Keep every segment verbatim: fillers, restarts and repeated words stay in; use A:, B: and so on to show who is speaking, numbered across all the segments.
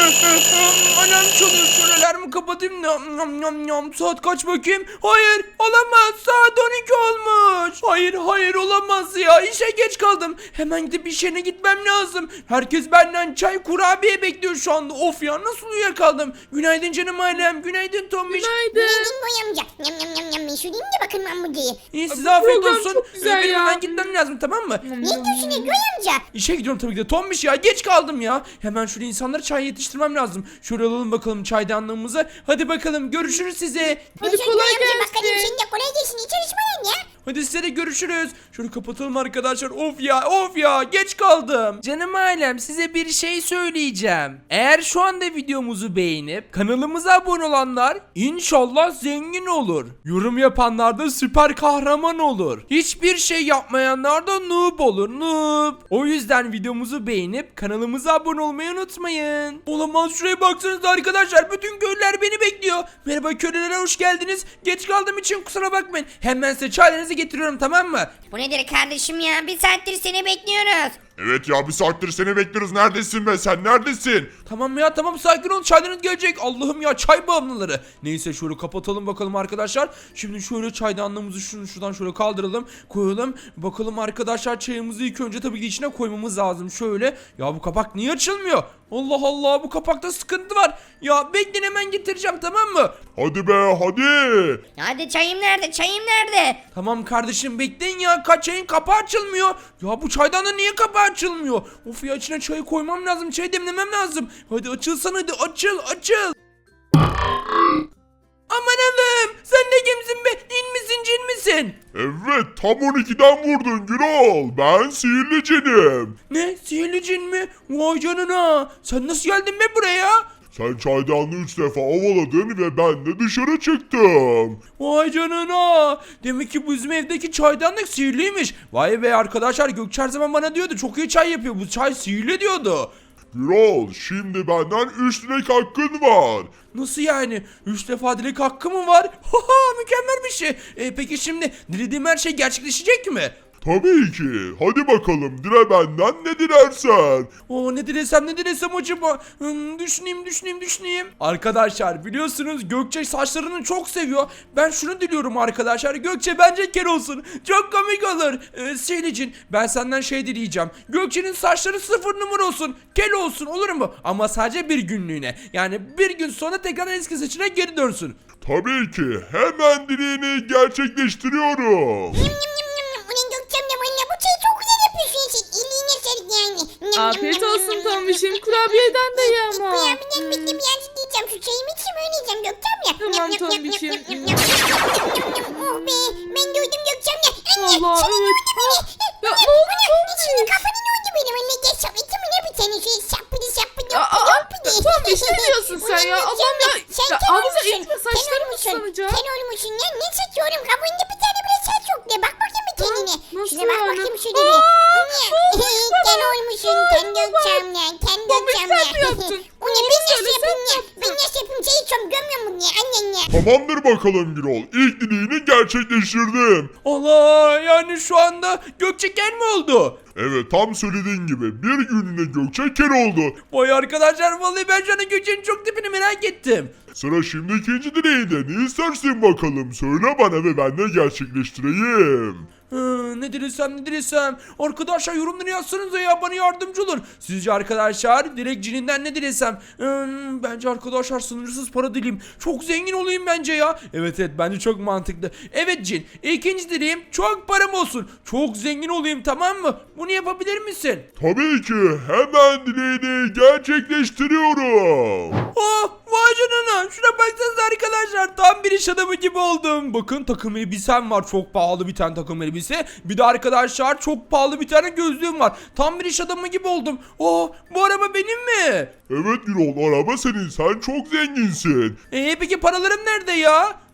A: Alarm çalıyor. Şöyle alarmı kapatayım. Nam, nam, nam, nam. Saat kaç bakayım? Hayır olamaz. Saat on iki olmuş. Hayır hayır olamaz ya. İşe geç kaldım. Hemen gidip iş yerine gitmem lazım. Herkes benden çay kurabiye bekliyor şu anda. Of ya nasıl uyuyakaldım. Günaydın canım ailem. Günaydın Tombiş.
B: Günaydın.
C: Günaydın Noy amca. Yam yam yam yam. Ben şurayım da bakın ben bu diye.
A: İyi
B: Bu
A: size afiyet
B: program
A: olsun.
B: çok güzel
A: Ee, Benim
B: ya.
A: hemen gitmem lazım tamam mı?
C: Ne diyorsun ya Noy amca?
A: İşe gidiyorum tabii ki de. Tombiş ya geç kaldım ya. Hemen şöyle insanlara çay yetiştirmem lazım. Şöyle alalım bakalım çaydanlığımızı. Hadi bakalım görüşürüz size.
B: Hadi
C: Görüşürüz
B: kolay
C: Noy amca.
B: gelsin.
C: Bakalım senin de kolay gelsin. İyi çalışmalar ya.
A: Hadi size de görüşürüz. Şöyle kapatalım arkadaşlar. Of ya of ya geç kaldım. Canım ailem size bir şey söyleyeceğim. Eğer şu anda videomuzu beğenip kanalımıza abone olanlar inşallah zengin olur. Yorum yapanlar da süper kahraman olur. Hiçbir şey yapmayanlar da noob olur noob. O yüzden videomuzu beğenip kanalımıza abone olmayı unutmayın. Olamaz şuraya baksanıza arkadaşlar. Bütün köylüler beni bekliyor. Merhaba köylülere hoş geldiniz. Geç kaldığım için kusura bakmayın. Hemen size çaylarınızı getiriyorum tamam mı?
C: Bu nedir kardeşim ya? Bir saattir seni bekliyoruz.
D: Evet ya bir saattir seni bekliyoruz. Neredesin be sen neredesin?
A: Tamam ya tamam sakin ol çaylarınız gelecek. Allah'ım ya çay bağımlıları. Neyse şöyle kapatalım bakalım arkadaşlar. Şimdi şöyle çaydanlığımızı şunu şuradan şöyle kaldıralım. Koyalım. Bakalım arkadaşlar çayımızı ilk önce tabii ki içine koymamız lazım. Şöyle. Ya bu kapak niye açılmıyor? Allah Allah bu kapakta sıkıntı var. Ya bekleyin hemen getireceğim tamam mı?
D: Hadi be hadi.
C: Hadi çayım nerede? Çayım nerede?
A: Tamam kardeşim bekleyin ya. Kaç çayın kapağı açılmıyor. Ya bu çaydanlığın niye kapağı açılmıyor? Of ya içine çayı koymam lazım. Çay demlemem lazım. Hadi açılsana hadi açıl açıl. Aman Allah'ım sen de kimsin be? Din misin cin misin?
D: Evet tam on ikiden vurdun Gürol. Ben sihirli cinim.
A: Ne sihirli cin mi? Vay canına. Sen nasıl geldin be buraya?
D: Sen çaydanlığı üç defa ovaladın ve ben de dışarı çıktım.
A: Vay canına. Demek ki bu bizim evdeki çaydanlık sihirliymiş. Vay be arkadaşlar Gökçe her zaman bana diyordu. Çok iyi çay yapıyor. Bu çay sihirli diyordu.
D: Gürol şimdi benden üç dilek hakkın var.
A: Nasıl yani? Üç defa dilek hakkı mı var? Haha mükemmel bir şey. E, peki şimdi dilediğim her şey gerçekleşecek mi?
D: Tabii ki. Hadi bakalım dile benden ne dilersen.
A: Oo ne dilesem ne dilesem acaba? Hmm, düşüneyim düşüneyim düşüneyim. Arkadaşlar biliyorsunuz Gökçe saçlarını çok seviyor. Ben şunu diliyorum arkadaşlar. Gökçe bence kel olsun. Çok komik olur. Ee, Selicin ben senden şey dileyeceğim. Gökçe'nin saçları sıfır numara olsun. Kel olsun olur mu? Ama sadece bir günlüğüne. Yani bir gün sonra tekrar eski saçına geri dönsün.
D: Tabii ki. Hemen dileğini gerçekleştiriyorum.
C: Yum yum yum yum yum. Ulan Gökçem de valla bu çayı çok güzel yapıyorsun sen. Elliğine sağlık yani. Yum, yum,
B: Afiyet
C: yum,
B: olsun
C: yum, yum,
B: Tombiş'im.
C: yum.
B: Kurabiyeden de ye ama.
C: Kurabiyeden bitti birazcık diyeceğim. Şu çayımı içeyim öyle yiyeceğim Gökçem ya.
B: Tamam,
C: Yum, yum, yum,
B: Tombiş'im.
C: yum, yum, yum, yum, yum, yum. Oh be ben doydum Gökçem ya. Anne
B: Allah,
C: senin
B: evet.
C: oldu beni.
B: Ya,
C: Ulan,
B: ne oldu
C: ulan,
B: Tombiş?
C: içinin kafanı ne oldu benim? Anne gel sapıtı mı ne bir tane şöyle sapıdı sapıdı
B: Aa, aa,
C: yapıdı.
B: Tombiş, ne diyorsun sen ya?
C: Ulan
B: Allah'ım ya.
C: Sen
B: Ya,
C: kel
B: ağzına
C: olmuşsun.
B: itme,
C: Kel
B: saçlarım
C: olmuşsun.
B: ıslanacak.
C: Kel olmuşsun ya. Ne saçıyorum? Kabuğunda bir tane bile saç yok de. Bak bakayım bir tenine.
B: nasıl
C: Şuna bak
B: yani?
C: bakayım şöyle bir.
B: Aa,
C: Anne. Kel olmuşsun. Kel Gökçem ya. Kel
B: Tombiş,
C: Gökçem
B: sen
C: ya.
B: mi yaptın?
C: O ne?
B: Doğru
C: Ben nasıl
B: söyle, sen
C: yapayım
B: mi
C: ya?
B: yaptın?
C: Ben nasıl yapayım? Çayı içiyorum. Gömüyor mu ya? Annen ya.
D: Tamamdır bakalım Gürol. İlk dileğini gerçekleştirdim.
A: Allah yani şu anda Gökçe kel mi oldu?
D: Evet tam söylediğin gibi bir günlüğüne Gökçe kel oldu.
A: Vay arkadaşlar vallahi ben şu anda Gökçe'nin çok tipini merak ettim.
D: Sıra şimdi ikinci dileğinde. Ne istersin bakalım? Söyle bana ve ben de gerçekleştireyim.
A: Hı, ne dilesem ne dilesem. Arkadaşlar yorumları yazsanıza ya bana yardımcı olur. Sizce arkadaşlar direkt cininden ne dilesem? Hmm, bence arkadaşlar sınırsız para dileyim. Çok zengin olayım bence ya. Evet evet bence çok mantıklı. Evet cin ikinci dileğim çok param olsun. Çok zengin olayım tamam mı? Bunu yapabilir misin?
D: Tabii ki hemen dileğini gerçekleştiriyorum.
A: Oh vay canına şuna baksanıza arkadaşlar tam bir iş adamı gibi oldum. Bakın takım elbisem var çok pahalı bir tane takım elbise. Bir de arkadaşlar çok pahalı bir tane gözlüğüm var. Tam bir iş adamı gibi oldum. Oh bu araba benim mi?
D: Evet Gürol araba senin sen çok zenginsin.
A: Eee peki paralarım nerede ya?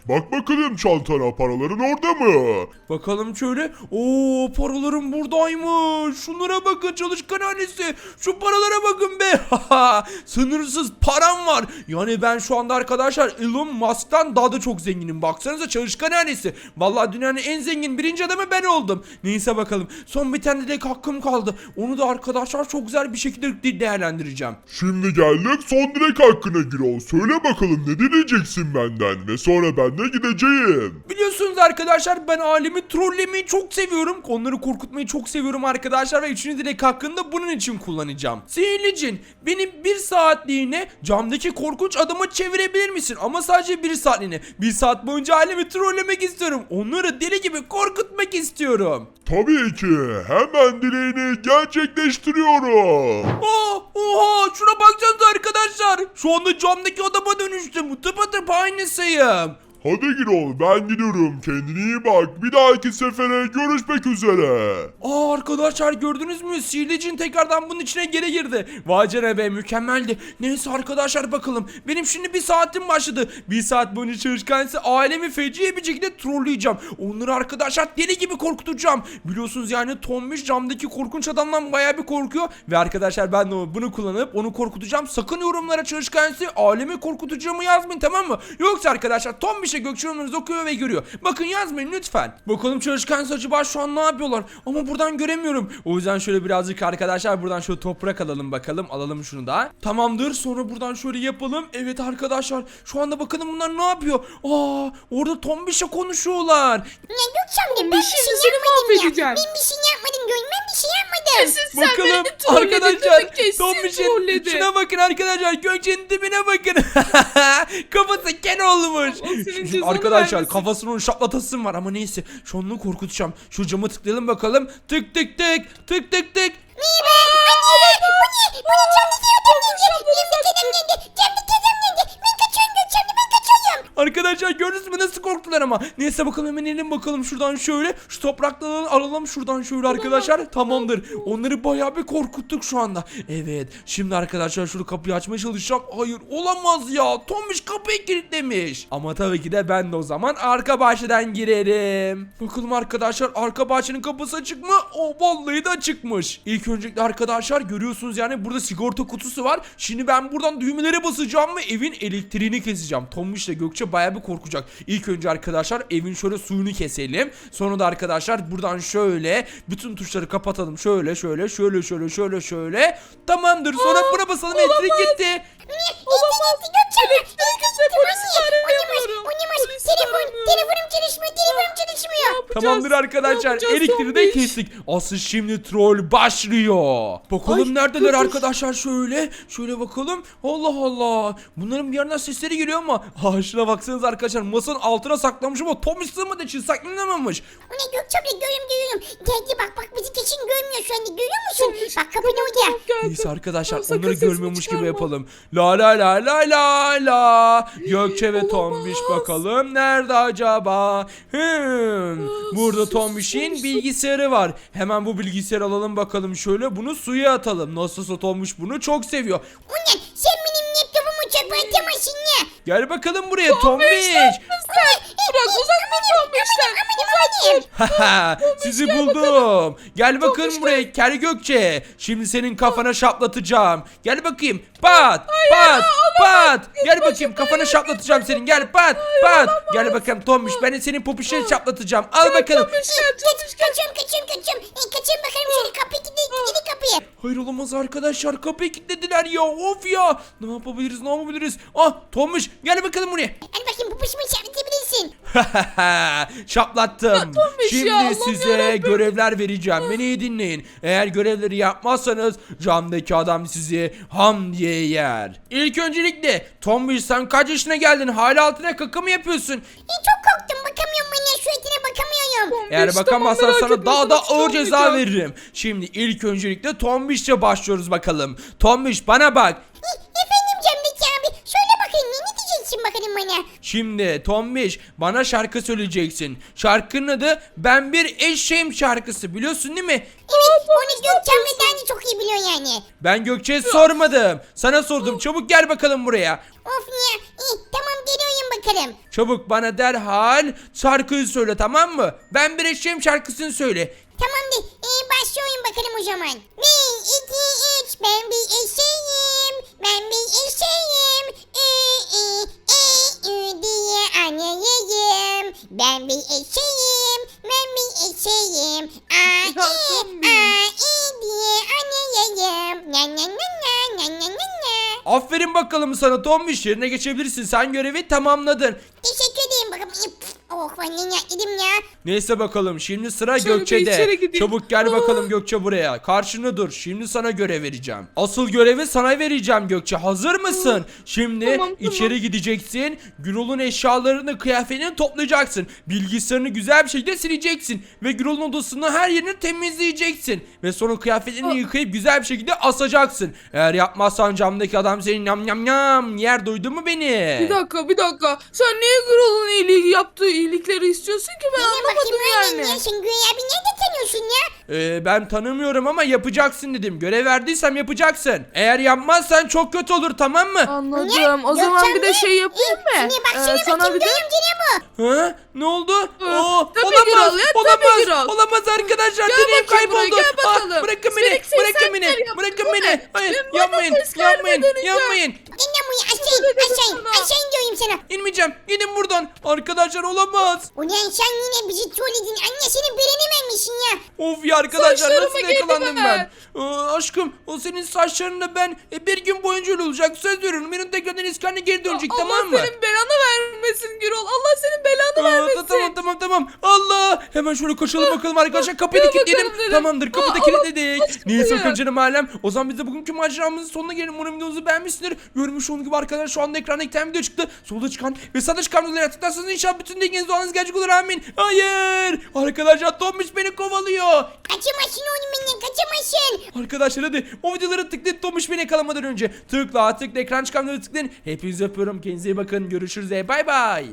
D: Bak bakalım çantana, paraların orada mı?
A: Bakalım şöyle. Oo, paralarım buradaymış. Şunlara bakın çalışkan ailesi. Şu paralara bakın be. Sınırsız param var. Yani ben şu anda arkadaşlar Elon Musk'tan daha da çok zenginim. Baksanıza çalışkan ailesi. Vallahi dünyanın en zengin birinci adamı ben oldum. Neyse bakalım. Son bir tane dilek hakkım kaldı. Onu da arkadaşlar çok güzel bir şekilde değerlendireceğim.
D: Şimdi geldik son dilek hakkına Gürol. Söyle bakalım ne dileyeceksin benden ve sonra ben de gideceğim.
A: Biliyorsunuz arkadaşlar ben alemi trollemeyi çok seviyorum. Onları korkutmayı çok seviyorum arkadaşlar ve üçüncü dilek hakkında bunun için kullanacağım. Sihirli cin, beni bir saatliğine camdaki korkunç adama çevirebilir misin? Ama sadece bir saatliğine. Bir saat boyunca alemi trollemek istiyorum. Onları deli gibi korkutmak istiyorum.
D: Tabii ki. Hemen dileğini gerçekleştiriyorum.
A: Aa, oha şuna baksanıza arkadaşlar. Şu anda camdaki adama dönüştüm. Tıpatıp aynısıyım.
D: Hadi Gürol, ben gidiyorum. Kendine iyi bak. Bir dahaki sefere görüşmek üzere.
A: Aa arkadaşlar gördünüz mü? Sihirli cin tekrardan bunun içine geri girdi. Vay canına be, mükemmeldi. Neyse arkadaşlar bakalım. Benim şimdi bir saatim başladı. Bir saat boyunca çalışkansı ailemi feci bir şekilde trolleyeceğim. Onları arkadaşlar deli gibi korkutacağım. Biliyorsunuz yani Tombiş camdaki korkunç adamdan bayağı bir korkuyor. Ve arkadaşlar ben de bunu kullanıp onu korkutacağım. Sakın yorumlara çalışkansı ailemi korkutacağımı yazmayın, tamam mı? Yoksa arkadaşlar Tombiş Gökçe yorumlarınızı okuyor ve görüyor. Bakın yazmayın lütfen. Bakalım çalışkan acaba şu an ne yapıyorlar? Ama buradan göremiyorum. O yüzden şöyle birazcık arkadaşlar buradan şöyle toprak alalım bakalım. Alalım şunu da. Tamamdır. Sonra buradan şöyle yapalım. Evet arkadaşlar. Şu anda bakalım bunlar ne yapıyor? Aa, orada Tombiş'e konuşuyorlar.
C: Ya Gökçem'le ben
B: Ben
C: bir şey
B: şimdi seni
C: yapmadım ya.
B: mahvedeceğim.
C: Ben bir şey yapmadım Gönül, ben bir şey yapmadım.
B: Kesin sen
A: Bakalım
B: beni trolledin,
A: arkadaşlar.
B: değil mi? Kesin
A: Tombiş'in
B: trolledin.
A: şuna bakın arkadaşlar. Gökçe'nin dibine bakın. Kafası ken olmuş.
B: Allah senin
A: Şimdi
B: cezanı
A: arkadaşlar
B: vermesin.
A: kafasını onun şaplatasım var ama neyse. Şu onu korkutacağım. Şu cama tıklayalım bakalım. Tık tık tık. Tık tık tık.
C: Niye be? Anne! Bu ne? Bu ne? Camdaki adam geldi. Camdaki adam geldi. Camdaki adam geldi. Ben kaçıyorum Gökçem'le, ben kaçıyorum.
A: Arkadaşlar gördünüz mü nasıl korktular ama. Neyse bakalım hemen inelim bakalım şuradan şöyle. Şu toprakları alalım şuradan şöyle arkadaşlar. Tamamdır. Onları bayağı bir korkuttuk şu anda. Evet. Şimdi arkadaşlar şunu kapıyı açmaya çalışacağım. Hayır olamaz ya. Tombiş kapıyı kilitlemiş. Ama tabii ki de ben de o zaman arka bahçeden girerim. Bakalım arkadaşlar arka bahçenin kapısı açık mı? O vallahi de açıkmış. İlk öncelikle arkadaşlar görüyorsunuz yani burada sigorta kutusu var. Şimdi ben buradan düğmelere basacağım ve evin elektriğini keseceğim. Tombiş ile Gökçe bayağı bir korkacak. İlk önce arkadaşlar evin şöyle suyunu keselim. Sonra da arkadaşlar buradan şöyle bütün tuşları kapatalım. Şöyle şöyle şöyle şöyle şöyle şöyle. Tamamdır. Sonra buna basalım, elektrik gitti.
C: Olamaz. Gökçem'le.
B: Elektrikse polisi arayamıyorum.
C: Oynamaz.
B: Polisi
C: Telefon,
B: aramıyorum.
C: telefonum çalışmıyor. Telefonum çalışmıyor.
B: Yapacağız?
A: Tamamdır arkadaşlar.
B: Ne yapacağız
A: Elektriği de
B: Tombiş?
A: kestik. Asıl şimdi troll başlıyor. Bakalım
B: Ay,
A: neredeler
B: dur, dur.
A: arkadaşlar şöyle. Şöyle bakalım. Allah Allah. Bunların bir yerden sesleri geliyor ama. Ha şuna baksanız arkadaşlar. Masanın altına saklamış ama Tombiş sığmadığı için saklanamamış.
C: O ne Gökçem'le görüyorum görüyorum. Geldi bak bak bizi kesin görmüyor şu anda, görüyor musun? Bak kapının orada.
A: Neyse arkadaşlar
B: Sakın
A: onları
B: sesini
A: görmüyormuş gibi
B: çıkarma.
A: yapalım. La la la la la la. Gökçe ve
B: Olamaz.
A: Tombiş bakalım nerede acaba? Hmm. Burada Tombiş'in bilgisayarı var. Hemen bu bilgisayarı alalım bakalım şöyle. Bunu suya atalım. Nasılsa Tombiş bunu çok seviyor.
C: O ne? Sen benim laptopumu çöpe atamazsın ya.
A: Gel bakalım buraya Tombiş.
B: Bırak uzak dur Tombiş'ten. Uzak dur.
A: Haha, sizi buldum. Gel bakın buraya Kel Gökçe. Şimdi senin kafana şaplatacağım. Gel bakayım. Pat pat pat. Gel bakayım kafana şaplatacağım senin. Gel pat pat. Gel bakalım Tombiş, ben de senin popişleri şaplatacağım. Al bakalım.
C: Kaç, kaçıyorum kaçıyorum kaçıyorum. E, kaçıyorum bakalım şöyle kapıyı kilitli, kilitli kapıyı.
A: Hayır olamaz arkadaşlar, kapıyı kilitlediler ya, of ya. Ne yapabiliriz ne yapabiliriz? Ah Tombiş gel bakalım buraya.
C: Hadi bakayım bu pışmayı çarpıtabilirsin.
A: Şaplattım.
B: Tombiş
A: Şimdi
B: ya, Allah'ım
A: size
B: yarabbim.
A: görevler vereceğim. Beni iyi dinleyin. Eğer görevleri yapmazsanız camdaki adam sizi ham diye yer. İlk öncelikle Tombiş sen kaç yaşına geldin? Hala altına kaka mı yapıyorsun?
C: E, çok korktum, bakamıyorum ben ya, suratına bakamıyorum.
A: Eğer
B: Tombiş,
A: bakamazsan
B: tamam, merak
A: sana
B: etme,
A: daha da
B: sana
A: ağır ceza
B: çıkarmayacağım.
A: veririm. Şimdi ilk öncelikle Tombiş'le başlıyoruz bakalım. Tombiş bana bak.
C: E, efendim Cemdeki abi, söyle bakayım ne, ne diyeceksin bakalım bana.
A: Şimdi Tombiş bana şarkı söyleyeceksin. Şarkının adı Ben Bir Eşeğim şarkısı, biliyorsun değil mi?
C: Evet Onu Gökçen'den de çok iyi biliyor yani.
A: Ben Gökçe'ye sormadım. Sana sordum. Çabuk gel bakalım buraya.
C: Of ya. İyi, tamam geliyorum bakalım.
A: Çabuk bana derhal şarkıyı söyle, tamam mı? Ben bir eşeğim şarkısını söyle.
C: Tamamdır. Ee, başlıyorum bakalım o zaman. Bir, iki, üç. Ben bir eşeğim. Ben bir eşeğim. Ü, ü, e, ü diye anayayım. Ben bir eşeğim. Ben bir eşeğim. A, i, a, i diye anayayım. Na na na na na na na na.
A: Aferin bakalım sana Tombiş, yerine geçebilirsin. Sen görevi tamamladın.
C: Teşekkür ederim bakalım. Oh ben ne dedim ya.
A: Neyse bakalım, şimdi sıra
B: Şöyle bir içeri
A: Gökçe'de.
B: gideyim.
A: Çabuk gel
B: Aa.
A: bakalım Gökçe buraya. Karşını dur. Şimdi sana görev vereceğim. Asıl görevi sana vereceğim Gökçe. Hazır mısın? Şimdi
B: Tamam, tamam.
A: içeri gideceksin. Gürol'un eşyalarını, kıyafetini toplayacaksın. Bilgisayarını güzel bir şekilde sileceksin. Ve Gürol'un odasını, her yerini temizleyeceksin. Ve sonra kıyafetlerini
B: Aa.
A: yıkayıp güzel bir şekilde asacaksın. Eğer yapmazsan camdaki adam seni yam yam yam yer, duydun mu beni?
B: Bir dakika bir dakika. Sen niye Gürol'un iyiliği yaptığı iyilikleri istiyorsun ki ben
C: Yine
B: anlamadım
C: bakayım
B: yani.
C: yani. Sen Güya abi nerede tanıyorsun ya?
A: Ee, ben tanımıyorum ama yapacaksın dedim. Görev verdiysem yapacaksın. Eğer yapmazsan çok kötü olur, tamam mı?
B: Anladım. O zaman bir de şey yapayım mı?
C: Şimdi bak
B: Ee,
C: şimdi
B: sana
C: bakayım
B: bir de
C: Göğüm ne bu?
A: Ha? Ne oldu?
B: Hı,
A: Oo,
B: tabii
A: olamaz.
B: Gürol ya, tabii
A: olamaz.
B: Gürol.
A: Olamaz arkadaşlar.
B: Gel
A: Dileğim
B: bakayım buraya,
A: kayboldu.
B: gel bakalım.
A: Ah, bırakın beni.
B: Üstelik
A: Bırakın
B: sen
A: beni.
B: yaptın,
A: Bırakın
B: bu
A: beni.
B: ne?
A: Hayır,
B: Ben
A: yapmayın.
B: bana ses
A: Yapmayın.
B: vermeden
A: Yapmayın.
C: Dinle bu aşağı
B: Söyledim
C: aşağı
B: sana.
C: aşağı diyorum sana.
A: İnmeyeceğim. Gidin buradan. Arkadaşlar olamaz.
C: Ulan sen yine bizi trolledin. Anne senin beğenememişsin ya.
A: Of ya arkadaşlar,
B: Saçlarıma
A: nasıl
B: girdi
A: yakalandım
B: bana.
A: ben? Aa, aşkım, o senin saçlarınla ben e, bir gün boyunca öyle olacak. Söz veriyorum. Benim tekrardan iskanına geri dönecek,
B: Allah
A: tamam mı?
B: senin belanı vermesin Gürol. Allah senin belanı
A: Aa,
B: vermesin.
A: tamam tamam tamam. Allah! Hemen şöyle koşalım bakalım arkadaşlar. Kapıyı da
B: Gel
A: kilitleyelim.
B: bakalım dedim.
A: Tamamdır, kapıyı da
B: Aa,
A: kilitledik.
B: Allah
A: Neyse
B: aşkına.
A: canım alem. O zaman biz de bugünkü maceramızın sonuna gelelim. Umarım videomuzu beğenmişsinizdir. Görmüş olduğunuz gibi arkadaşlar şu anda ekranda iki tane video çıktı. Solda çıkan ve sağda çıkan videoları tıklarsanız inşallah bütün dilekleriniz duanız gerçek olur, amin. Hayır! Arkadaşlar Tombiş beni kovalıyor.
C: Kaçamazsın oğlum benden kaçamazsın.
A: Arkadaşlar hadi o videoları tıklayın, Tombiş beni yakalamadan önce. Tıkla tıkla ekran çıkan videoları tıklayın. Hepinizi öpüyorum. Kendinize iyi bakın. Görüşürüz. Bay bay.